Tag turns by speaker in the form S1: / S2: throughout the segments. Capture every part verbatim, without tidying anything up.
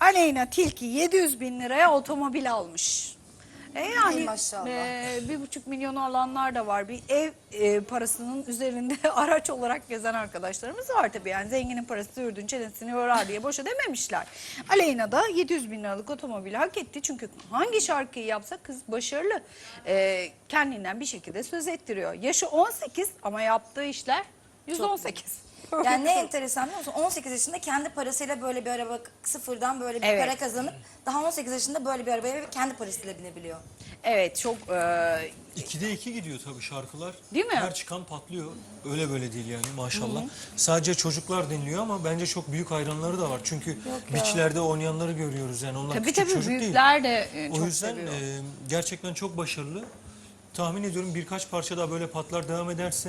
S1: Aleyna Tilki yedi yüz bin liraya otomobil almış. E
S2: Ay
S1: yani
S2: maşallah.
S1: e, bir buçuk milyonu alanlar da var. Bir ev e, parasının üzerinde araç olarak gezen arkadaşlarımız var tabii. Yani zenginin parası ürdün çenesini yorar diye boşa dememişler. Aleyna da yedi yüz bin liralık otomobili hak etti. Çünkü hangi şarkıyı yapsa kız başarılı. E, kendinden bir şekilde söz ettiriyor. Yaşı on sekiz ama yaptığı işler yüz on sekiz.
S2: Yani ne enteresan biliyor musun? on sekiz yaşında kendi parasıyla böyle bir araba sıfırdan böyle bir
S1: Evet.
S2: para kazanıp daha on sekiz yaşında böyle bir arabaya kendi parasıyla binebiliyor.
S1: Evet çok e,
S3: ikide iki gidiyor tabii şarkılar.
S1: Değil mi?
S3: Her çıkan patlıyor. Öyle böyle değil yani maşallah. Sadece çocuklar dinliyor ama bence çok büyük hayranları da var. Çünkü beachlerde oynayanları görüyoruz yani onlar
S1: tabii
S3: küçük
S1: tabii
S3: çocuk değil.
S1: büyükler de e,
S3: O
S1: çok
S3: yüzden
S1: seviyor.
S3: e, gerçekten çok başarılı. Tahmin ediyorum birkaç parça daha böyle patlar devam ederse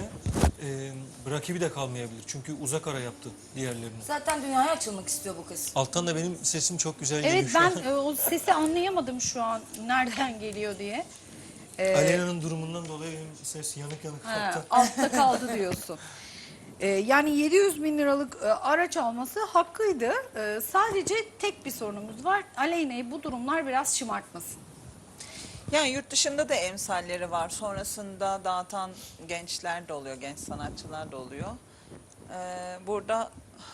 S3: e, rakibi de kalmayabilir. Çünkü uzak ara yaptı diğerlerini.
S2: Zaten dünyaya açılmak istiyor bu kız.
S3: Alttan da benim sesim çok güzel geliyor
S1: Evet
S3: şu
S1: ben
S3: an.
S1: e, o sesi anlayamadım şu an nereden geliyor diye. Ee,
S3: Aleyna'nın durumundan dolayı benim ses yanık yanık
S1: ha,
S3: altta.
S1: altta kaldı diyorsun. Ee, yani yedi yüz bin liralık e, araç alması hakkıydı. Ee, sadece tek bir sorunumuz var. Aleyna'yı bu durumlar biraz şımartmasın.
S4: Yani yurt dışında da emsalleri var. Sonrasında dağıtan gençler de oluyor, genç sanatçılar da oluyor. Ee, burada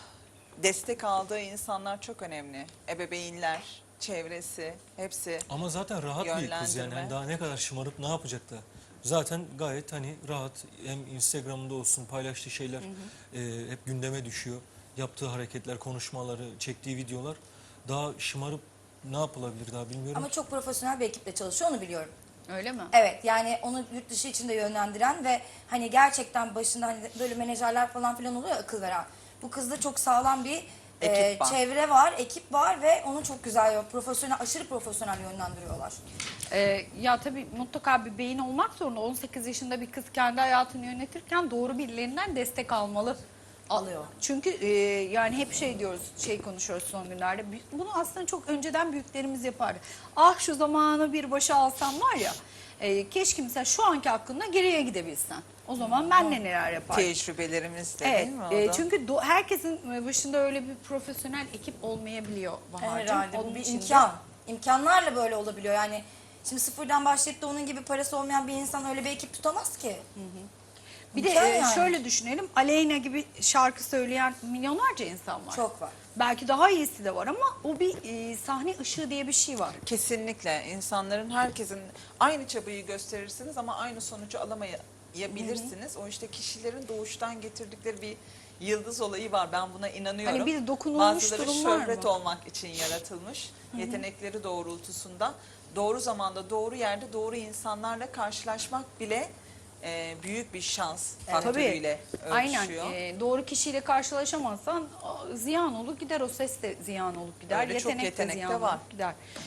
S4: destek aldığı insanlar çok önemli. Ebeveynler, çevresi, hepsi.
S3: Ama zaten rahat bir kız yani.
S4: Yönlendirme.
S3: Yani daha ne kadar şımarıp ne yapacak da. Zaten gayet hani rahat. Hem Instagram'da olsun paylaştığı şeyler e, hep gündeme düşüyor. Yaptığı hareketler, konuşmaları, çektiği videolar daha şımarıp ne yapılabilir daha bilmiyorum.
S2: Ama çok profesyonel bir ekiple çalışıyor, onu biliyorum.
S1: Öyle mi?
S2: Evet, yani onu yurt dışı için de yönlendiren ve hani gerçekten başında hani böyle menajerler falan filan oluyor ya, akıl veren. Bu kızda çok sağlam bir e,
S4: Ekip var.
S2: çevre var, ekip var ve onu çok güzel, profesyonel, aşırı profesyonel yönlendiriyorlar.
S1: Ee, ya tabii mutlaka bir beyin olmak zorunda. on sekiz yaşında bir kız kendi hayatını yönetirken doğru birilerinden destek almalı.
S2: Alıyor.
S1: Çünkü e, yani hep şey diyoruz, şey konuşuyoruz son günlerde. Bunu aslında çok önceden büyüklerimiz yapardı. Ah şu zamanı bir başa alsam var ya, e, keşke mesela şu anki hakkında geriye gidebilsen. O zaman ben de neler yapardım.
S4: Tecrübelerimiz de
S1: Evet,
S4: değil mi o
S1: e,
S4: da?
S1: çünkü do- herkesin başında öyle bir profesyonel ekip olmayabiliyor Bahar'cığım.
S2: Herhalde bu
S1: Onun
S2: bir
S1: için de-
S2: imkan. İmkanlarla böyle olabiliyor yani. Şimdi sıfırdan başlayıp da onun gibi parası olmayan bir insan öyle bir ekip tutamaz ki.
S1: Bir de
S2: İmkan
S1: e,
S2: yani.
S1: şöyle düşünelim, Aleyna gibi şarkı söyleyen milyonlarca insan var.
S2: Çok var.
S1: Belki daha iyisi de var ama o bir e, sahne ışığı diye bir şey var.
S4: Kesinlikle insanların, herkesin aynı çabayı gösterirsiniz ama aynı sonucu alamayabilirsiniz. O işte kişilerin doğuştan getirdikleri bir yıldız olayı var. Ben buna inanıyorum.
S1: Hani bir dokunulmuş
S4: Bazıları
S1: durum var
S4: şöhret
S1: mı?
S4: olmak için yaratılmış. Yetenekleri doğrultusunda doğru zamanda, doğru yerde, doğru insanlarla karşılaşmak bile e, büyük bir şans faktörüyle
S1: Aynen.
S4: ölçüşüyor.
S1: E, doğru kişiyle karşılaşamazsan a, ziyan olur gider, o ses de ziyan olup gider,
S4: Öyle çok
S1: yetenek de
S4: yetenek de
S1: ziyan
S4: var.
S1: olup gider.